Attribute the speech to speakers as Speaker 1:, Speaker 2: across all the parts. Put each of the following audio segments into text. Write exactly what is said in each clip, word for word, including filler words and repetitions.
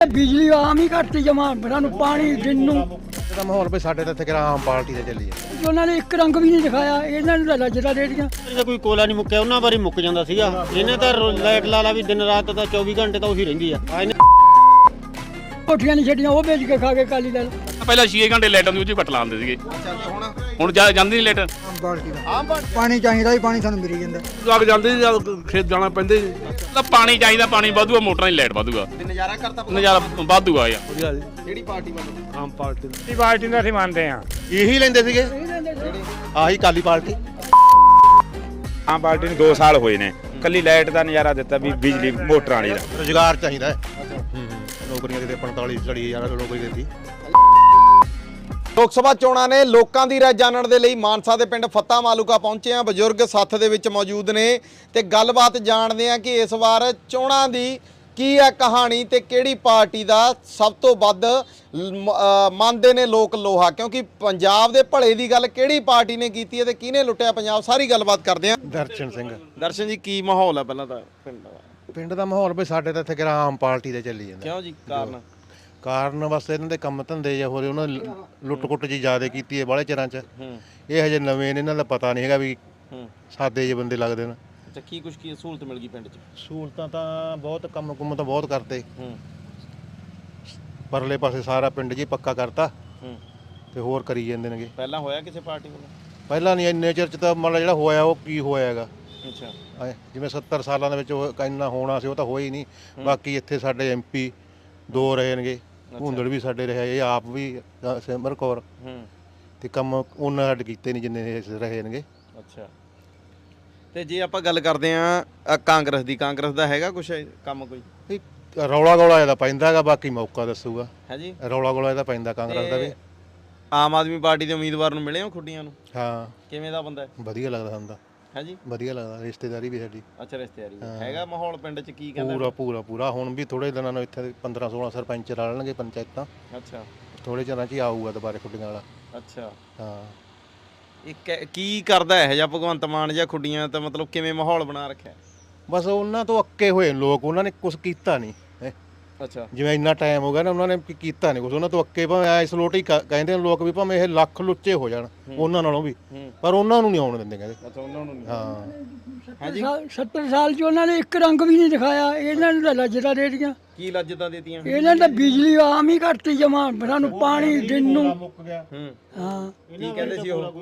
Speaker 1: ਬਿਜਲੀ ਆਮ ਹੀ ਘੱਟ ਜਮਾ ਸਾਨੂੰ ਪਾਣੀ ਦਿਨ ਨੂੰ
Speaker 2: ਇਹਦਾ ਮਾਹੌਲ ਵੀ ਸਾਡੇ ਤਾਂ ਇੱਥੇ ਕਿਹੜਾ ਆਮ ਪਾਰਟੀ ਤੇ ਚੱਲੀ ਹੈ।
Speaker 1: ਉਹਨਾਂ ਨੇ ਇੱਕ ਰੰਗ ਵੀ ਨਹੀਂ ਦਿਖਾਇਆ, ਇਹਨਾਂ ਨੂੰ ਤਾਂ ਲੱਜਦਾ ਰੇੜੀਆਂ।
Speaker 3: ਇਹਦਾ ਕੋਈ ਕੋਲਾ ਨਹੀਂ ਮੁੱਕਿਆ, ਉਹਨਾਂ ਵਾਰੀ ਮੁੱਕ ਜਾਂਦਾ ਸੀਗਾ। ਇਹਨੇ ਤਾਂ ਲਾਈਟ ਲਾ ਲਾ ਵੀ ਦਿਨ ਰਾਤ ਤਾਂ ਚੌਵੀ ਘੰਟੇ ਤਾਂ ਉਹੀ ਰਹਿੰਦੀ ਆ। ਇਹਨੇ
Speaker 1: ਕੋਠੀਆਂ ਨਹੀਂ ਛੱਡੀਆਂ, ਉਹ ਵੇਚ ਕੇ ਖਾ ਕੇ ਕਾਲੀ ਦਲ।
Speaker 4: ਪਹਿਲਾਂ ਛੇ ਘੰਟੇ ਲਾਈਟ ਆਉਂਦੀ, ਉਹ 'ਚ ਕੱਟ ਲਾਉਂਦੇ ਸੀਗੇ।
Speaker 2: ਹੁਣ
Speaker 4: ਹੁਣ ਜਾ ਜਾਂਦੀ ਨਹੀਂ ਲਾਈਟ।
Speaker 5: ਆਮ ਪਾਰਟੀ ਦਾ ਆਮ ਪਾਣੀ ਚਾਹੀਦਾ ਹੀ, ਪਾਣੀ ਸਾਨੂੰ ਮਿਲ ਜਾਂਦਾ।
Speaker 4: ਲੱਗ ਜਾਂਦੀ ਖੇਤ ਜਾਣਾ ਪੈਂਦੇ ਤਾਂ ਪਾਣੀ ਚਾਹੀਦਾ, ਪਾਣੀ ਵਾਧੂਆ, ਮੋਟਰਾਂ ਦੀ ਲਾਈਟ ਵਾਧੂਆ।
Speaker 2: ਨਜ਼ਾਰਾ ਕਰਤਾ
Speaker 4: ਨਜ਼ਾਰਾ ਵਾਧੂਆ ਯਾਰ।
Speaker 2: ਕਿਹੜੀ ਪਾਰਟੀ ਵੱਲੋਂ?
Speaker 4: ਆਮ ਪਾਰਟੀ
Speaker 6: ਇਹ ਪਾਰਟੀ ਦਾ ਅਸੀਂ ਮੰਨਦੇ ਆ।
Speaker 2: ਇਹੀ ਲੈਂਦੇ ਸੀਗੇ ਆਹੀ ਕਾਲੀ ਪਾਰਟੀ।
Speaker 6: ਆਮ ਪਾਰਟੀ ਨੂੰ ਦੋ ਸਾਲ ਹੋਏ ਨੇ, ਕੱਲੀ ਲਾਈਟ ਦਾ ਨਜ਼ਾਰਾ ਦਿੱਤਾ ਵੀ ਬਿਜਲੀ ਮੋਟਰਾਂ ਵਾਲੀ ਦਾ।
Speaker 2: ਰੁਜ਼ਗਾਰ ਚਾਹੀਦਾ ਹੈ, ਨੌਕਰੀਆਂ ਕਿਤੇ ਪੰਤਾਲੀ ਚਾਲੀ ਹਜ਼ਾਰ ਨੌਕਰੀ ਦਿੱਤੀ।
Speaker 7: ਲੋਕ ਸਭਾ ਚੋਣਾਂ ਨੇ ਲੋਕਾਂ ਦੀ ਰਾਏ ਜਾਣਨ ਦੇ ਲਈ ਮਾਨਸਾ ਦੇ ਪਿੰਡ ਫੱਤਾ ਮਾਲੂਕਾ ਪਹੁੰਚੇ ਆ। ਬਜ਼ੁਰਗ ਸੱਥ ਦੇ ਵਿੱਚ ਮੌਜੂਦ ਨੇ ਤੇ ਗੱਲਬਾਤ ਜਾਣਦੇ ਆ ਕਿ ਇਸ ਵਾਰ ਚੋਣਾਂ ਦੀ ਕੀ ਹੈ ਕਹਾਣੀ ਤੇ ਕਿਹੜੀ ਪਾਰਟੀ ਦਾ ਸਭ ਤੋਂ ਵੱਧ ਮੰਨਦੇ ਨੇ ਲੋਕ ਲੋਹਾ, ਕਿਉਂਕਿ ਪੰਜਾਬ ਦੇ ਭਲੇ ਦੀ ਗੱਲ ਕਿਹੜੀ ਪਾਰਟੀ ਨੇ ਕੀਤੀ ਹੈ ਤੇ ਕਿਹਨੇ ਲੁੱਟਿਆ ਪੰਜਾਬ, ਸਾਰੀ ਗੱਲਬਾਤ ਕਰਦੇ ਆ।
Speaker 2: ਦਰਸ਼ਨ ਸਿੰਘ।
Speaker 7: ਦਰਸ਼ਨ ਜੀ, ਕੀ ਮਾਹੌਲ ਹੈ ਪਹਿਲਾਂ ਤਾਂ ਪਿੰਡ ਦਾ?
Speaker 2: ਪਿੰਡ ਦਾ ਮਾਹੌਲ ਵੀ ਸਾਡੇ ਤਾਂ ਇੱਥੇ ਕਿਹੜਾ ਆਮ ਪਾਰਟੀ ਤੇ ਚੱਲੀ ਜਾਂਦਾ।
Speaker 7: ਕਿਉਂ ਜੀ, ਕਾਰਨ?
Speaker 2: ਕਾਰਨ ਬਸ ਇਹਨਾਂ ਦੇ ਕੰਮ ਧੰਦੇ ਜਾਂ ਹੋਰ ਉਹਨਾਂ ਲੁੱਟ ਕੁੱਟ ਜੀ ਜ਼ਿਆਦਾ ਕੀਤੀ ਹੈ ਬਾਹਲੇ ਚਿਰਾਂ 'ਚ। ਇਹ ਹਜੇ ਨਵੇਂ ਨੇ, ਇਹਨਾਂ ਦਾ ਪਤਾ ਨਹੀਂ ਹੈਗਾ ਵੀ ਸਾਦੇ ਜਿਹੇ ਬੰਦੇ ਲੱਗਦੇ ਨੇ।
Speaker 7: ਅੱਛਾ, ਕੀ ਕੁਛ ਕੀ ਸਹੂਲਤ ਮਿਲ ਗਈ ਪਿੰਡ 'ਚ?
Speaker 2: ਸਹੂਲਤਾਂ ਤਾਂ ਬਹੁਤ, ਕੰਮ ਕੁੰਮ ਤਾਂ ਬਹੁਤ ਕਰਤੇ। ਪਰਲੇ ਪਾਸੇ ਸਾਰਾ ਪਿੰਡ ਜੀ ਪੱਕਾ ਕਰਤਾ ਤੇ ਹੋਰ ਕਰੀ ਜਾਂਦੇ ਨੇਗੇ।
Speaker 7: ਪਹਿਲਾਂ ਹੋਇਆ ਕਿਸੇ ਪਾਰਟੀ ਵੱਲੋਂ?
Speaker 2: ਪਹਿਲਾਂ ਨਹੀਂ, ਇੰਨੇ ਚਿਰ 'ਚ ਤਾਂ ਮਤਲਬ ਜਿਹੜਾ ਹੋਇਆ ਉਹ ਕੀ ਹੋਇਆ ਹੈਗਾ।
Speaker 7: ਅੱਛਾ,
Speaker 2: ਜਿਵੇਂ ਸੱਤਰ ਸਾਲਾਂ ਦੇ ਵਿੱਚ ਉਹ ਇੰਨਾ ਹੋਣਾ ਸੀ ਉਹ ਤਾਂ ਹੋਇਆ ਹੀ ਨਹੀਂ। ਬਾਕੀ ਇੱਥੇ ਸਾਡੇ ਐਮਪੀ ਦੋ ਰਹੇ ਨੇਗੇ, ਹੁੰਦੜ ਵੀ ਸਾਡੇ ਰਹੇ, ਇਹ ਆਪ ਵੀ ਸਿਮਰ ਕੌਰ, ਤੇ ਕੰਮ ਉਹਨਾਂ ਸਾਡੇ ਕੀਤੇ ਨਹੀਂ ਜਿੰਨੇ ਇਹ ਰਹੇ ਨੇਗੇ।
Speaker 7: ਅੱਛਾ, ਤੇ ਜੇ ਆਪਾਂ ਗੱਲ ਕਰਦੇ ਆ ਕਾਂਗਰਸ ਦੀ, ਕਾਂਗਰਸ ਦਾ ਹੈਗਾ ਕੁਛ ਕੰਮ ਕੋਈ?
Speaker 2: ਰੌਲਾ ਗੌਲਾ ਇਹਦਾ ਪੈਂਦਾ ਹੈਗਾ, ਬਾਕੀ ਮੌਕਾ ਦੱਸੂਗਾ।
Speaker 7: ਹੈ ਜੀ,
Speaker 2: ਰੌਲਾ ਗੌਲਾ ਇਹਦਾ ਪੈਂਦਾ ਕਾਂਗਰਸ ਦਾ ਵੀ।
Speaker 7: ਆਮ ਆਦਮੀ ਪਾਰਟੀ ਦੇ ਉਮੀਦਵਾਰ ਨੂੰ ਮਿਲੇ ਹੋ ਖੁੱਡੀਆਂ ਨੂੰ?
Speaker 2: ਹਾਂ।
Speaker 7: ਕਿਵੇਂ ਦਾ ਬੰਦਾ ਹੈ?
Speaker 2: ਵਧੀਆ ਲੱਗਦਾ ਸਾਨੂੰ ਤਾਂ।
Speaker 7: ਹੈ ਜੀ,
Speaker 2: ਵਧੀਆ ਲੱਗਦਾ, ਰਿਸ਼ਤੇਦਾਰੀ ਵੀ ਸਾਡੀ।
Speaker 7: ਅੱਛਾ, ਰਿਸ਼ਤੇਦਾਰੀ ਹੈਗਾ। ਮਾਹੌਲ ਪਿੰਡ 'ਚ ਕੀ ਕਹਿੰਦਾ?
Speaker 2: ਪੂਰਾ ਪੂਰਾ ਪੂਰਾ ਹੁਣ ਵੀ ਥੋੜੇ ਦਿਨਾਂ ਨੂੰ ਇੱਥੇ ਪੰਦਰਾਂ ਸੋਲਾਂ ਸਰਪੰਚ ਰਲਣਗੇ ਪੰਚਾਇਤਾਂ।
Speaker 7: ਅੱਛਾ,
Speaker 2: ਥੋੜੇ ਚਿਰਾਂ 'ਚ ਹੀ ਆਊਗਾ ਦੁਬਾਰੇ ਖੁੱਡੀਆਂ ਵਾਲਾ।
Speaker 7: ਅੱਛਾ,
Speaker 2: ਹਾਂ।
Speaker 7: ਇਹ ਕੀ ਕਰਦਾ ਇਹ ਜਾਂ ਭਗਵੰਤ ਮਾਨ ਜਾਂ ਖੁੱਡੀਆਂ, ਤਾਂ ਮਤਲਬ ਕਿਵੇਂ ਮਾਹੌਲ ਬਣਾ ਰੱਖਿਆ?
Speaker 2: ਬਸ ਉਹਨਾਂ ਤੋਂ ਅੱਕੇ ਹੋਏ ਲੋਕ, ਉਹਨਾਂ ਨੇ ਕੁਝ ਕੀਤਾ ਨਹੀਂ।
Speaker 7: ਅੱਛਾ,
Speaker 2: ਜਿਵੇਂ ਇੰਨਾ ਟਾਈਮ ਹੋ ਗਿਆ ਨਾ, ਉਹਨਾਂ ਨੇ ਕੀਤਾ ਨਹੀਂ ਕੁਝ, ਉਹਨਾਂ ਤੋਂ ਅੱਕੇ। ਭਾਵੇਂ ਐਸ ਲੋਟ ਹੀ ਕਹਿੰਦੇ ਨੇ ਲੋਕ ਵੀ, ਭਾਵੇਂ ਇਹ ਲੱਖ ਲੁੱਚੇ ਹੋ ਜਾਣ ਉਹਨਾਂ ਨਾਲੋਂ ਵੀ, ਪਰ ਉਹਨਾਂ ਨੂੰ ਨਹੀਂ ਆਉਣ ਦਿੰਦੇ ਕਹਿੰਦੇ।
Speaker 7: ਅੱਛਾ, ਉਹਨਾਂ ਨੂੰ
Speaker 2: ਹਾਂ।
Speaker 1: ਸੱਤਰ ਸਾਲ 'ਚ ਉਹਨਾਂ ਨੇ ਇੱਕ ਰੰਗ ਵੀ ਨਹੀਂ ਦਿਖਾਇਆ, ਇਹਨਾਂ ਨੂੰ ਤਾਂ ਲੱਜਦਾ ਰੇੜੀਆਂ।
Speaker 7: ਕੀ ਲੱਜਤਾਂ ਦਿੱਤੀਆਂ?
Speaker 1: ਇਹਨਾਂ ਨੇ ਤਾਂ ਬਿਜਲੀ ਆਮ ਹੀ ਘੱਟ ਜਮਾ ਸਾਨੂੰ ਪਾਣੀ ਦਿਨ ਨੂੰ। ਹਾਂ,
Speaker 7: ਕੀ ਕਹਿੰਦੇ ਸੀ ਉਹ?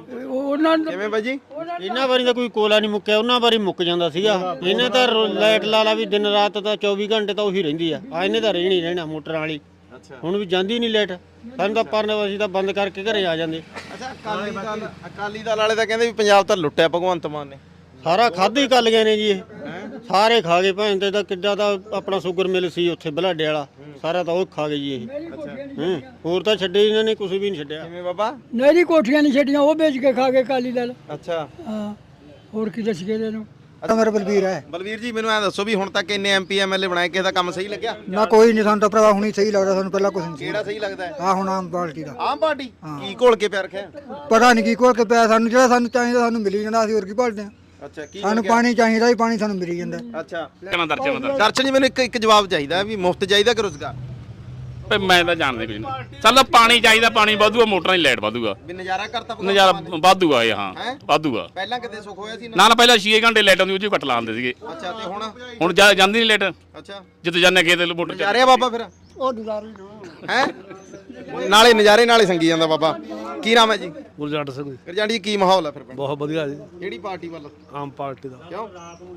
Speaker 1: ਉਹਨਾਂ ਨੂੰ
Speaker 7: ਕਿਵੇਂ ਬਾਈ ਜੀ?
Speaker 3: ਇਹਨਾਂ ਵਾਰੀ ਤਾਂ ਕੋਈ ਕੋਲਾ ਨਹੀਂ ਮੁੱਕਿਆ, ਉਹਨਾਂ ਵਾਰੀ ਮੁੱਕ ਜਾਂਦਾ ਸੀਗਾ। ਇਹਨੇ ਤਾਂ ਲਾਈਟ ਲਾ ਲਾ ਵੀ ਦਿਨ ਰਾਤ ਤਾਂ ਚੌਵੀ ਘੰਟੇ ਤਾਂ ਉਹੀ ਰਹਿੰਦੀ ਆ। ਆ ਇਹਨੇ ਤਾਂ ਰਹਿਣੀ ਰਹਿਣਾ ਮੋਟਰਾਂ ਵਾਲੀ। ਹੁਣ ਵੀ ਜਾਂਦੀ ਨਹੀਂ ਲਾਈਟ, ਸਾਨੂੰ ਤਾਂ ਪਰ ਅਸੀਂ ਤਾਂ ਬੰਦ ਕਰਕੇ ਘਰੇ ਆ ਜਾਂਦੇ।
Speaker 7: ਅੱਛਾ, ਅਕਾਲੀ ਦਲ ਅਕਾਲੀ ਦਲ ਵਾਲੇ ਤਾਂ ਕਹਿੰਦੇ ਵੀ ਪੰਜਾਬ ਤਾਂ ਲੁੱਟਿਆ ਭਗਵੰਤ ਮਾਨ ਨੇ।
Speaker 3: ਸਾਰਾ ਖਾਧੇ ਹੀ ਕੱਲ ਗਏ ਨੇ ਜੀ, ਇਹ ਸਾਰੇ ਖਾ ਗਏ। ਭੈਣ ਤੇ ਤਾਂ ਕਿੱਡਾ ਦਾ ਆਪਣਾ ਸ਼ੂਗਰ ਮਿਲ ਸੀ ਉੱਥੇ ਬਲਾਡੇ ਵਾਲਾ, ਸਾਰਾ ਤਾਂ ਉਹ ਖਾ ਗਏ ਜੀ ਇਹ। ਹੂੰ, ਹੋਰ ਤਾਂ ਛੱਡੇ ਇਹਨਾਂ ਨੇ, ਕੁਝ ਵੀ ਨਹੀਂ ਛੱਡਿਆ।
Speaker 7: ਕਿਵੇਂ ਬਾਬਾ?
Speaker 1: ਨਹਿਰੀ ਕੋਠੀਆਂ ਨਹੀਂ ਛੱਡੀਆਂ, ਉਹ ਵੇਚ ਕੇ ਖਾ ਕੇ ਕਾਲੀ ਦਲ।
Speaker 7: ਅੱਛਾ,
Speaker 1: ਹਾਂ, ਹੋਰ ਕੀ ਦੱਸ ਗਏ ਇਹਨੂੰ?
Speaker 5: ਮੇਰਾ ਬਲਬੀਰ ਹੈ।
Speaker 7: ਬਲਵੀਰ ਜੀ, ਮੈਨੂੰ ਐ ਦੱਸੋ ਵੀ ਹੁਣ ਤੱਕ ਇੰਨੇ ਐਮਪੀ ਐਮਐਲਏ ਬਣਾਏ, ਕਿਸੇ ਦਾ ਕੰਮ ਸਹੀ ਲੱਗਿਆ?
Speaker 5: ਨਾ ਕੋਈ ਨਹੀਂ, ਸਾਨੂੰ ਤਾਂ ਭਰਾ ਹੁਣੀ ਸਹੀ ਲੱਗਦਾ, ਸਾਨੂੰ ਪਹਿਲਾਂ ਕੁਝ ਨਹੀਂ ਸੀ।
Speaker 7: ਕਿਹੜਾ ਸਹੀ ਲੱਗਦਾ ਹੈ?
Speaker 5: ਆ ਹੁਣ ਆਮ ਪਾਰਟੀ ਦਾ।
Speaker 7: ਆਮ ਪਾਰਟੀ ਕੀ ਘੋਲ ਕੇ ਪਿਆ ਰੱਖਿਆ?
Speaker 5: ਪਤਾ ਨਹੀਂ ਕੀ ਕੋਲ ਕੇ ਪਿਆ, ਸਾਨੂੰ ਜਿਹੜਾ ਸਾਨੂੰ ਚਾਹੀਦਾ ਸਾਨੂੰ ਮਿਲੀ ਜਾਂਦਾ, ਅਸੀਂ ਹੋਰ ਕੀ ਭਾਲਦੇ ਆ।
Speaker 7: ਅੱਛਾ, ਕੀ
Speaker 5: ਸਾਨੂੰ ਪਾਣੀ ਚਾਹੀਦਾ ਹੀ, ਪਾਣੀ ਸਾਨੂੰ ਮਿਲੀ ਜਾਂਦਾ।
Speaker 7: ਅੱਛਾ,
Speaker 4: ਕਿਵੇਂ ਦਰਸ਼ਨ ਦਾ
Speaker 7: ਦਰਸ਼ਨ ਜੀ, ਮੈਨੂੰ ਇੱਕ ਇੱਕ ਜਵਾਬ ਚਾਹੀਦਾ ਵੀ ਮੁਫਤ ਚਾਹੀਦਾ ਕਿ ਰੁਜ਼ਗਾਰ?
Speaker 4: ਭਈ ਮੈਂ ਤਾਂ ਜਾਣਦੇ ਕੁਝ ਨਹੀਂ। ਚੱਲ ਪਾਣੀ ਚਾਹੀਦਾ, ਪਾਣੀ ਵਾਧੂਆ, ਮੋਟਰਾਂ ਦੀ ਲਾਈਟ ਵਾਧੂਆ।
Speaker 7: ਵੀ ਨਜ਼ਾਰਾ ਕਰਤਾ
Speaker 4: ਨਜ਼ਾਰਾ ਵਾਧੂਆ ਇਹ। ਹਾਂ, ਵਾਧੂਆ।
Speaker 7: ਪਹਿਲਾਂ ਕਿਤੇ ਸੁੱਖ ਹੋਇਆ ਸੀ?
Speaker 4: ਨਾ ਨਾ ਪਹਿਲਾਂ ਛੇ ਘੰਟੇ ਲਾਈਟ ਆਉਂਦੀ, ਉਹ 'ਚ ਕੱਟ ਲਾਉਂਦੇ ਸੀਗੇ।
Speaker 7: ਅੱਛਾ, ਤੇ ਹੁਣ?
Speaker 4: ਹੁਣ ਜਾ ਜਾਂਦੀ ਨਹੀਂ ਲਾਈਟ।
Speaker 7: ਅੱਛਾ,
Speaker 4: ਜਿੱਥੇ ਜਾਂਦੇ ਖੇਤ ਮੋਟਰ
Speaker 7: ਨਜ਼ਾਰੇ ਆ ਬਾਬਾ ਫਿਰ?
Speaker 1: ਉਹ ਨਜ਼ਾਰੇ
Speaker 7: ਹੈ ਨਾਲੇ ਨਜ਼ਾਰੇ ਨਾਲੇ ਸੰਗੀ ਜਾਂਦਾ ਬਾਬਾ। ਕੀ ਨਾਮ ਹੈ ਜੀ?
Speaker 8: ਗੁਰਜੰਟ ਸਿੰਘ ਜੀ।
Speaker 7: ਗੁਰਜੰਟ ਜੀ, ਕੀ ਮਾਹੌਲ ਹੈ ਫਿਰ ਪਿੰਡ?
Speaker 8: ਬਹੁਤ ਵਧੀਆ ਜੀ।
Speaker 7: ਕਿਹੜੀ ਪਾਰਟੀ ਵੱਲ?
Speaker 8: ਆਮ ਪਾਰਟੀ ਦਾ।
Speaker 7: ਕਿਉਂ?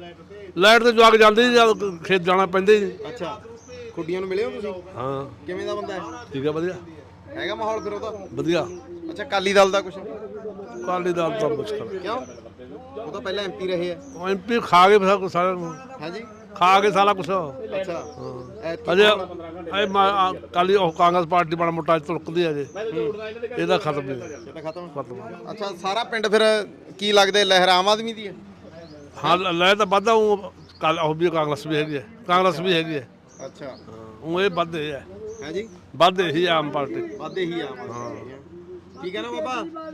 Speaker 8: ਲਾਈਟ ਤੇ ਜਵਾਕ ਜਾਂਦੀ ਜੀ, ਜਦ ਖੇਤ ਜਾਣਾ ਪੈਂਦੇ ਜੀ।
Speaker 7: ਅੱਛਾ, ਖੁੱਡੀਆਂ ਨੂੰ ਮਿਲੇ ਹੋ ਤੁਸੀਂ?
Speaker 8: ਹਾਂ।
Speaker 7: ਕਿਵੇਂ ਦਾ ਬੰਦਾ ਹੈ?
Speaker 8: ਠੀਕ ਹੈ, ਵਧੀਆ
Speaker 7: ਹੈਗਾ ਮਾਹੌਲ ਫਿਰ ਉਹਦਾ?
Speaker 8: ਵਧੀਆ।
Speaker 7: ਅੱਛਾ, ਅਕਾਲੀ ਦਲ ਦਾ ਕੁਛ?
Speaker 8: ਅਕਾਲੀ ਦਲ ਤਾਂ ਮੁਸ਼ਕਲ।
Speaker 7: ਕਿਉਂ? ਉਹ ਤਾਂ ਪਹਿਲਾਂ ਐਮਪੀ ਰਹੇ ਆ।
Speaker 8: ਉਹ ਐਮਪੀ ਖਾ ਗਏ ਸਾਰਾ ਕੁਛ, ਸਾਰਾ ਕੁਛ।
Speaker 7: ਹੈ ਜੀ,
Speaker 8: ਖਾ ਕੇ ਸਾਰਾ ਕੁਛ।
Speaker 7: ਅੱਛਾ,
Speaker 8: ਅਜੇ ਇਹ ਅਕਾਲੀ ਉਹ ਕਾਂਗਰਸ ਪਾਰਟੀ ਬੜਾ ਮੋਟਾ ਤੁਲਕਦੀ ਹੈ ਜੇ, ਇਹਦਾ ਖਤਮ ਨਹੀਂ।
Speaker 7: ਇਹ ਖਤਮ
Speaker 8: ਖਤਮ।
Speaker 7: ਅੱਛਾ, ਸਾਰਾ ਪਿੰਡ ਫਿਰ ਕੀ ਲੱਗਦਾ ਲਹਿਰ ਆਮ ਆਦਮੀ ਦੀ ਹੈ?
Speaker 8: ਹਾਂ, ਲੈ ਤਾਂ ਵੱਧਾ ਉਹ ਕੱਲ ਉਹ ਵੀ ਕਾਂਗਰਸ ਵੀ ਹੈਗੀ ਹੈ, ਕਾਂਗਰਸ ਵੀ ਹੈਗੀ ਹੈ।
Speaker 7: ਅੱਛਾ,
Speaker 8: ਉਹ ਇਹ ਵੱਧੇ ਹੈ।
Speaker 7: ਹੈ ਜੀ,
Speaker 8: ਵੱਧੇ ਹੀ ਆਮ ਪਾਰਟੀ।
Speaker 7: ਵਾਧੇ ਹੀ ਆਮ ਆਦਮੀ। ਠੀਕ ਹੈ ਨਾ ਬਾਬਾ?
Speaker 8: ਹੈ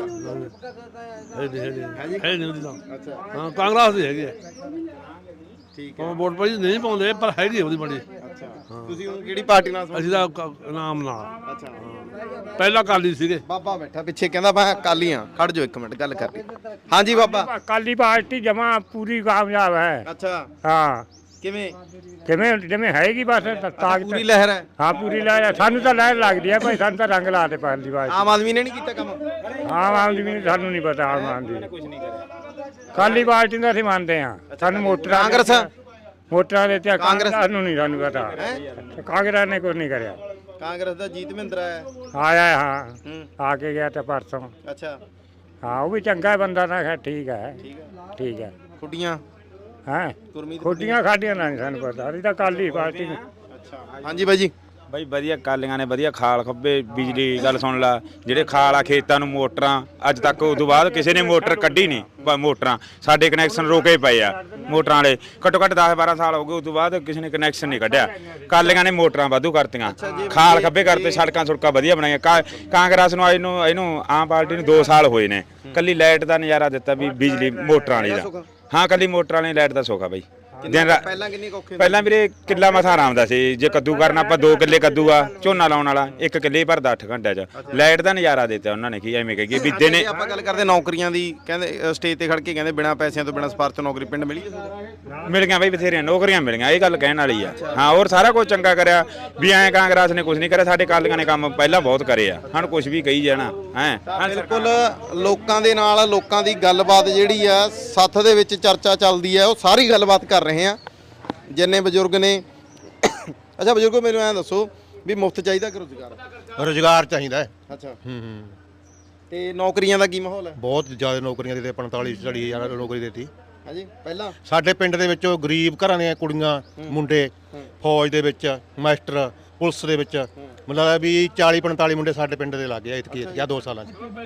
Speaker 8: ਨਹੀਂ ਹੈ ਨਹੀਂ ਹੈ ਨਹੀਂ ਉਹਦੀ ਤਾਂ।
Speaker 7: ਅੱਛਾ,
Speaker 8: ਹਾਂ, ਕਾਂਗਰਸ ਦੀ ਹੈਗੀ ਹੈ।
Speaker 7: ਠੀਕ
Speaker 8: ਉਹ ਵੋਟ ਭਾਈ ਨਹੀਂ ਪਾਉਂਦੇ ਪਰ ਹੈਗੀ ਉਹਦੀ ਬਣੀ
Speaker 7: ਅੱਛਾ ਤੁਸੀਂ ਹੁਣ ਕਿਹੜੀ ਪਾਰਟੀ ਨਾਲ
Speaker 8: ਅਸੀਂ ਤਾਂ ਕ- ਨਾਮ ਨਾਲ
Speaker 7: ਅੱਛਾ
Speaker 8: ਪਹਿਲਾਂ ਕਾਲੀ ਸੀਗੇ।
Speaker 7: ਬਾਬਾ ਬੈਠਾ ਪਿੱਛੇ ਕਹਿੰਦਾ ਮੈਂ ਅਕਾਲੀ ਆ ਖੜ ਜਾਓ ਇੱਕ ਮਿੰਟ ਗੱਲ ਕਰ ਲਈ ਹਾਂਜੀ ਬਾਬਾ
Speaker 9: ਅਕਾਲੀ ਪਾਰਟੀ ਜਮਾ ਪੂਰੀ ਕਾਮਯਾਬ ਹੈ।
Speaker 7: ਅੱਛਾ
Speaker 9: ਹਾਂ
Speaker 7: ਕਿਵੇਂ
Speaker 9: ਕਿਵੇਂ ਜਿਵੇਂ ਹੈਗੀ ਬਸ ਤਾਕਤ
Speaker 7: ਪੂਰੀ ਲਹਿਰ ਹੈ
Speaker 9: ਹਾਂ ਪੂਰੀ ਲਹਿਰ ਸਾਨੂੰ ਤਾਂ ਲਹਿਰ ਲੱਗਦੀ ਹੈ ਭਾਈ ਸਾਨੂੰ ਤਾਂ ਰੰਗ ਲਾ ਦੇ ਪਾਰਟੀ ਪਾਰਟੀ
Speaker 7: ਆਮ ਆਦਮੀ ਨੇ ਨਹੀਂ ਕੀਤਾ ਕੰਮ
Speaker 9: ਆਮ ਆਦਮੀ ਨੂੰ ਸਾਨੂੰ ਨਹੀਂ ਪਤਾ ਆਮ ਆਦਮੀ ਕੁਝ ਨਹੀਂ ਕਰਿਆ ਅਕਾਲੀ ਪਾਰਟੀ ਦਾ ਅਸੀਂ ਮੰਨਦੇ ਹਾਂ ਸਾਨੂੰ ਮੋਟਰਾਂ
Speaker 7: ਕਾਂਗਰਸ
Speaker 9: ਮੋਟਰਾਂ ਦੇ ਤੇ
Speaker 7: ਕਾਂਗਰਸ?
Speaker 9: ਕਾਂਗਰਸ ਨੂੰ ਨਹੀਂ ਸਾਨੂੰ ਪਤਾ ਕਾਂਗਰਸ ਨੇ ਕੁਝ ਨਹੀਂ ਕਰਿਆ
Speaker 7: ਕਾਂਗਰਸ ਦਾ ਜੀਤ ਮਹਿੰਦਰਾ ਹੈ
Speaker 9: ਆਇਆ ਹਾਂ
Speaker 7: ਹੂੰ
Speaker 9: ਆ ਕੇ ਗਿਆ ਤੇ ਪਰਸੋਂ
Speaker 7: ਅੱਛਾ
Speaker 9: ਹਾਂ ਉਹ ਵੀ ਚੰਗਾ ਬੰਦਾ ਨਾ ਹੈ ਠੀਕ ਹੈ
Speaker 7: ਠੀਕ ਹੈ
Speaker 9: ਠੀਕ ਹੈ
Speaker 7: ਖੁੱਡੀਆਂ
Speaker 9: ਹਾਂ
Speaker 7: ਗੁਰਮੀਤ
Speaker 9: ਖੋਡੀਆਂ ਖਾਡੀਆਂ ਨਾ ਸਾਨੂੰ ਪਤਾ ਅਸੀਂ ਤਾਂ ਅਕਾਲੀ ਪਾਰਟੀ ਨੂੰ
Speaker 7: ਅੱਛਾ ਹਾਂਜੀ ਬਾਈ ਜੀ
Speaker 6: ਬਾਈ ਵਧੀਆ ਕਾਲੀਆਂ ਨੇ ਵਧੀਆ ਖਾਲ ਖੱਬੇ ਬਿਜਲੀ ਗੱਲ ਸੁਣ ਲਾ ਜਿਹੜੇ ਖਾਲ ਆ ਖੇਤਾਂ ਨੂੰ ਮੋਟਰਾਂ ਅੱਜ ਤੱਕ ਉਦੋਂ ਬਾਅਦ ਕਿਸੇ ਨੇ ਮੋਟਰ ਕੱਢੀ ਨਹੀਂ ਬ- ਮੋਟਰਾਂ ਸਾਡੇ ਕਨੈਕਸ਼ਨ ਰੋਕੇ ਪਏ ਆ ਮੋਟਰਾਂ ਵਾਲੇ ਘੱਟੋ ਘੱਟ ਦਸ ਬਾਰਾਂ ਸਾਲ ਹੋ ਗਏ ਉਦੋਂ ਬਾਅਦ ਕਿਸੇ ਨੇ ਕਨੈਕਸ਼ਨ ਨਹੀਂ ਕੱਢਿਆ ਕਾਲੀਆਂ ਨੇ ਮੋਟਰਾਂ ਵਾਧੂ ਕਰਤੀਆਂ ਖਾਲ ਖੱਬੇ ਕਰਤੇ ਸੜਕਾਂ ਸੁੜਕਾਂ ਵਧੀਆ ਬਣਾਈਆਂ ਕਾ- ਕਾਂਗਰਸ ਨੂੰ ਇਹਨੂੰ ਇਹਨੂੰ ਆਮ ਪਾਰਟੀ ਨੂੰ ਦੋ ਸਾਲ ਹੋਏ ਨੇ ਕੱਲੀ ਲਾਈਟ ਦਾ ਨਜ਼ਾਰਾ ਦਿੱਤਾ ਵੀ ਬਿਜਲੀ ਮੋਟਰਾਂ ਵਾਲੀ ਦਾ ਹਾਂ ਕੱਲੀ ਮੋਟਰਾਂ ਵਾਲੀ ਲਾਈਟ ਦਾ ਸੌਖਾ ਬਾਈ ਦਿਨ ਰਾਤ
Speaker 7: ਪਹਿਲਾਂ ਕਿੰਨੀ ਕੁ ਔਖੇ
Speaker 6: ਪਹਿਲਾਂ ਵੀਰੇ ਕਿੱਲਾ ਮਸਾ ਆਰਾਮ ਦਾ ਸੀ ਜੇ ਕੱਦੂ ਕਰਨਾ ਆਪਾਂ ਦੋ ਕਿੱਲੇ ਕੱਦੂ ਆ ਝੋਨਾ ਲਾਉਣ ਵਾਲਾ ਇੱਕ ਕਿੱਲੇ ਭਰਦਾ ਅੱਠ ਘੰਟਿਆਂ ਚ ਲਾਈਟ ਦਾ ਨਜ਼ਾਰਾ ਦਿੱਤਾ ਉਹਨਾਂ ਨੇ ਕੀ ਐਵੇਂ ਕਹੀਏ ਵੀ ਦਿਨੇ
Speaker 7: ਜੇ ਆਪਾਂ ਗੱਲ ਕਰਦੇ ਨੌਕਰੀਆਂ ਦੀ ਕਹਿੰਦੇ ਸਟੇਜ ਤੇ ਖੜ ਕੇ ਕਹਿੰਦੇ ਬਿਨਾਂ ਪੈਸਿਆਂ ਤੋਂ ਬਿਨਾਂ ਸਪਾਰਸ਼ ਤੋਂ ਨੌਕਰੀ ਪਿੰਡ ਮਿਲੀ ਹੈ
Speaker 6: ਮਿਲ ਗਿਆ ਬਈ ਬਥੇਰੀਆਂ ਨੌਕਰੀਆਂ ਮਿਲੀਆਂ ਇਹ ਗੱਲ ਕਹਿਣ ਵਾਲੀ ਆ ਹਾਂ ਹੋਰ ਸਾਰਾ ਕੁਝ ਚੰਗਾ ਕਰਿਆ ਵੀ ਐਂ ਕਾਂਗਰਸ ਨੇ ਕੁਝ ਨਹੀਂ ਕਰਿਆ ਸਾਡੇ ਕਾਲੀਆਂ ਨੇ ਕੰਮ ਪਹਿਲਾਂ ਬਹੁਤ ਕਰੇ ਆ ਹੁਣ ਕੁਝ ਵੀ ਕਹੀ ਜਾਣਾ ਹੈ
Speaker 7: ਬਿਲਕੁਲ ਲੋਕਾਂ ਦੇ ਨਾਲ ਲੋਕਾਂ ਦੀ ਗੱਲਬਾਤ ਜਿਹੜੀ ਆ ਸੱਥ ਦੇ ਵਿੱਚ ਚਰਚਾ ਚੱਲਦੀ ਹੈ ਉਹ ਸਾਰੀ ਗੱਲਬਾਤ ਕਰ ਰਹੇ ਆ ਜਿੰਨੇ ਬਜ਼ੁਰਗ ਨੇ ਅੱਛਾ ਬਜ਼ੁਰਗੋ ਮੈਨੂੰ ਐਂ ਦੱਸੋ ਵੀ ਮੁਫਤ ਚਾਹੀਦਾ ਕਿ ਰੁਜ਼ਗਾਰ
Speaker 2: ਰੁਜ਼ਗਾਰ ਚਾਹੀਦਾ ਹੈ।
Speaker 7: ਅੱਛਾ
Speaker 2: ਹੂੰ ਹੂੰ
Speaker 7: ਤੇ ਨੌਕਰੀਆਂ ਦਾ ਕੀ ਮਾਹੌਲ ਹੈ
Speaker 2: ਬਹੁਤ ਜ਼ਿਆਦਾ ਨੌਕਰੀਆਂ ਦੇ ਪੰਤਾਲੀ ਚਾਲੀ ਹਜ਼ਾਰ ਨੌਕਰੀ ਦੇਤੀ
Speaker 7: ਹਾਂਜੀ ਪਹਿਲਾਂ
Speaker 2: ਸਾਡੇ ਪਿੰਡ ਦੇ ਵਿੱਚੋਂ ਗਰੀਬ ਘਰਾਂ ਦੀਆਂ ਕੁੜੀਆਂ ਮੁੰਡੇ ਫੌਜ ਦੇ ਵਿੱਚ ਮਾਸਟਰ ਪੁਲਿਸ ਦੇ ਵਿੱਚ ਮਤਲਬ ਵੀ ਚਾਲੀ ਪੰਤਾਲੀ ਮੁੰਡੇ ਸਾਡੇ ਪਿੰਡ ਦੇ ਲੱਗ ਗਏ ਇਤਕੀ ਜਾਂ ਦੋ ਸਾਲਾਂ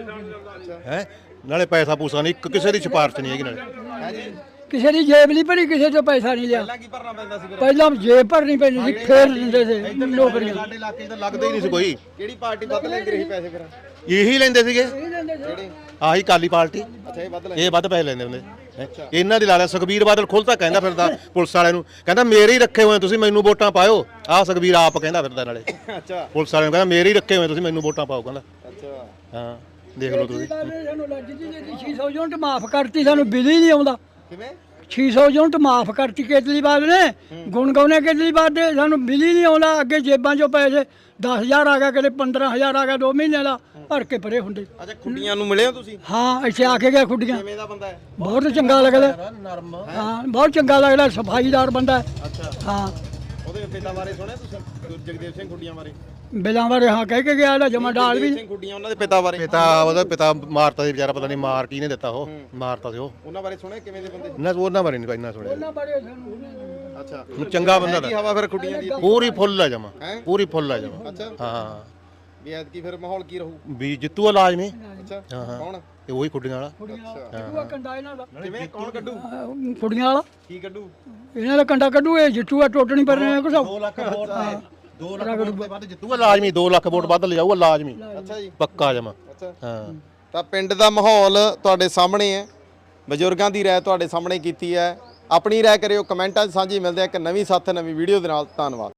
Speaker 2: 'ਚ ਹੈ ਨਾਲੇ ਪੈਸਾ ਪੂਸਾ ਨਹੀਂ ਇੱਕ ਕਿਸੇ ਦੀ ਸਿਫਾਰਿਸ਼ ਨਹੀਂ ਹੈਗੀ ਨਾਲੇ
Speaker 1: ਕਿਸੇ ਦੀ ਜੇਬ ਨਹੀਂ ਭਰੀ ਕਿਸੇ ਤੋਂ ਪੈਸਾ ਨਹੀਂ ਲਿਆ
Speaker 7: ਪਹਿਲਾਂ ਕੀ ਭਰਨਾ ਪੈਂਦਾ ਸੀ ਫਿਰ
Speaker 1: ਪਹਿਲਾਂ ਜੇਬ ਭਰਨੀ ਪੈਂਦੀ ਸੀ ਫੇਰ ਦਿੰਦੇ ਸੀ ਨੌਕਰੀਆਂ
Speaker 2: ਸਾਡੇ ਇਲਾਕੇ 'ਚ ਤਾਂ ਲੱਗਦਾ ਹੀ ਨਹੀਂ ਸੀ ਕੋਈ
Speaker 7: ਕਿਹੜੀ ਪਾਰਟੀ ਵੱਧ ਲੈਂਦੀ ਰਹੀ ਪੈਸੇ ਫਿਰ
Speaker 2: ਇਹੀ ਲੈਂਦੇ ਸੀਗੇ
Speaker 7: ਕਿਹੜੀ
Speaker 2: ਆਹੀ ਕਾਲੀ ਪਾਰਟੀ
Speaker 7: ਅੱਛਾ ਇਹ ਵੱਧ ਲੈ
Speaker 2: ਇਹ ਵੱਧ ਪੈਸੇ ਲੈਂਦੇ ਹੁੰਦੇ ਹੈਂ। ਇਹਨਾਂ ਦੀ ਲਾ ਲਿਆ ਸੁਖਬੀਰ ਬਾਦਲ ਖੁੱਲ੍ਹ ਕਹਿੰਦਾ ਫਿਰਦਾ ਪੁਲਿਸ ਵਾਲਿਆਂ ਨੂੰ ਕਹਿੰਦਾ ਮੇਰੇ ਹੀ ਰੱਖੇ ਹੋਏ ਤੁਸੀਂ ਮੈਨੂੰ ਵੋਟਾਂ ਪਾਇਓ ਆਹ ਸੁਖਬੀਰ ਆਪ ਕਹਿੰਦਾ ਫਿਰਦਾ ਨਾਲੇ
Speaker 7: ਅੱਛਾ
Speaker 2: ਪੁਲਿਸ ਵਾਲਿਆਂ ਨੂੰ ਕਹਿੰਦਾ ਮੇਰੇ ਹੀ ਰੱਖੇ ਹੋਏ ਤੁਸੀਂ ਮੈਨੂੰ ਵੋਟਾਂ ਪਾਓ ਕਹਿੰਦਾ
Speaker 7: ਅੱਛਾ
Speaker 2: ਹਾਂ ਦੇਖ ਲਓ ਤੁਸੀਂ
Speaker 1: ਸਾਨੂੰ ਲੱਜ ਜੀ ਦੀ ਛੇ ਸੌ ਯੂਨਿਟ ਮਾਫ ਕਰਤੀ ਸਾਨੂੰ ਬਿੱਲ ਹੀ ਨਹੀਂ ਆਉਂਦਾ
Speaker 7: ਕਿਵੇਂ
Speaker 1: ਛੇ ਸੌ ਯੂਨਿਟ ਮਾਫ ਕਰਤੀ ਕੇਜਰੀਵਾਲ ਨੇ ਗੁਣ ਗਾਉਣੇ ਕੇਜਰੀਵਾਲ ਦੇ ਸਾਨੂੰ ਬਿੱਲ ਹੀ ਨਹੀਂ ਆਉਂਦਾ ਅੱਗੇ ਜੇਬਾਂ 'ਚੋਂ ਪੈਸੇ ਦਸ ਹਜ਼ਾਰ ਆ ਗਿਆ ਕਦੇ ਪੰਦਰਾਂ ਹਜ਼ਾਰ ਆ ਗਿਆ ਦੋ ਮਹੀਨਿਆਂ ਦਾ ਭਰ ਕੇ ਪਰੇ ਹੁੰਦੇ
Speaker 7: ਅੱਛਾ ਖੁੱਡੀਆਂ ਨੂੰ ਮਿਲੇ ਹੋ ਤੁਸੀਂ
Speaker 1: ਹਾਂ ਇੱਥੇ ਆ ਕੇ ਗਿਆ ਖੁੱਡੀਆਂ
Speaker 7: ਕਿਵੇਂ ਦਾ ਬੰਦਾ ਹੈ
Speaker 1: ਬਹੁਤ ਚੰਗਾ ਲੱਗਦਾ ਹਾਂ ਬਹੁਤ ਚੰਗਾ ਲੱਗਦਾ ਸਫਾਈਦਾਰ ਬੰਦਾ ਹੈ।
Speaker 7: ਅੱਛਾ
Speaker 1: ਹਾਂ
Speaker 7: ਉਹਦੇ ਪਿਤਾ ਬਾਰੇ ਸੁਣਿਆ ਤੁਸੀਂ ਜਗਦੇਵ ਸਿੰਘ ਖੁੱਡੀਆਂ ਬਾਰੇ
Speaker 1: ਬਿਲਾਂ ਬਾਰੇ ਹਾਂ ਕਹਿ ਕੇ ਗਿਆ ਇਹਦਾ ਜਮਾ ਡਾਲ ਵੀ
Speaker 7: ਜਗਦੇਵ ਸਿੰਘ ਖੁੱਡੀਆਂ ਉਹਨਾਂ ਦੇ ਪਿਤਾ ਬਾਰੇ
Speaker 2: ਪਿਤਾ ਉਹਦਾ ਪਿਤਾ ਮਾਰਤਾ ਸੀ ਵਿਚਾਰਾ ਪਤਾ ਨਹੀਂ ਮਾਰ ਕੀ ਨੇ ਦਿੱਤਾ ਉਹ ਮਾਰਤਾ ਸੀ ਉਹ
Speaker 7: ਉਹਨਾਂ ਬਾਰੇ ਸੁਣਿਆ ਕਿਵੇਂ ਦੇ ਬੰਦੇ
Speaker 2: ਨਾ ਉਹਨਾਂ ਬਾਰੇ ਨਹੀਂ ਇੰਨਾ ਸੁਣਿਆ
Speaker 7: ਅੱਛਾ
Speaker 2: ਚੰਗਾ ਬੰਦਾ
Speaker 7: ਕੀ
Speaker 2: ਦਾ
Speaker 7: ਹਵਾ ਫਿਰ ਖੁੱਡੀਆਂ ਦੀ
Speaker 2: ਪੂਰੀ ਫੁੱਲ ਆ ਜਮਾ
Speaker 7: ਹੈਂ?
Speaker 2: ਪੂਰੀ ਫੁੱਲ ਆ ਜਮਾ
Speaker 7: ਅੱਛਾ
Speaker 2: ਹਾਂ
Speaker 7: ਵੀ ਐਤਕੀ ਫਿਰ ਮਾਹੌਲ ਕੀ ਰਹੂ
Speaker 2: ਵੀ ਜਿੱਤੂ ਲਾਜ਼ਮੀ
Speaker 7: ਅੱਛਾ
Speaker 2: ਹਾਂ ਹਾਂ
Speaker 7: ਕੌਣ
Speaker 2: ਇਹ ਉਹੀ ਖੁੱਡੀਆਂ ਵਾਲਾ
Speaker 1: ਕੰਡਾ ਇਹਨਾਂ ਦਾ
Speaker 7: ਕਿਵੇਂ ਕੌਣ ਕੱਢੂ
Speaker 1: ਕੁੜੀਆਂ ਵਾਲਾ
Speaker 7: ਕੀ ਕੱਢੂ
Speaker 1: ਇਹਨਾਂ ਦਾ ਕੰਡਾ ਕੱਢੂ ਇਹ ਜਿੱਟੂ ਆ ਟੋਟਣੀ ਪਰ ਰਿਹਾ ਕੁਛ
Speaker 2: ਦੋ ਲੱਖ ਵੋਟ ਦੋ ਲੱਖ ਵੋਟ ਦੇ ਵੱਧ ਜਿੱਤੂਗਾ ਲਾਜ਼ਮੀ ਦੋ ਲੱਖ ਵੋਟ ਵੱਧ ਲਿਜਾਊਗਾ ਲਾਜ਼ਮੀ
Speaker 7: ਅੱਛਾ ਜੀ
Speaker 2: ਪੱਕਾ ਜਮਾ
Speaker 7: ਅੱਛਾ
Speaker 2: ਹਾਂ
Speaker 7: ਤਾਂ ਪਿੰਡ ਦਾ ਮਾਹੌਲ ਤੁਹਾਡੇ ਸਾਹਮਣੇ ਹੈ ਬਜ਼ੁਰਗਾਂ ਦੀ ਰਾਏ ਤੁਹਾਡੇ ਸਾਹਮਣੇ ਕੀਤੀ ਹੈ ਆਪਣੀ ਰਾਏ ਕਰਿਓ ਕਮੈਂਟਾਂ 'ਚ ਸਾਂਝੀ ਮਿਲਦੇ ਆ ਇੱਕ ਨਵੀਂ ਸਾਥ ਨਵੀਂ ਵੀਡੀਓ ਦੇ ਨਾਲ ਧੰਨਵਾਦ।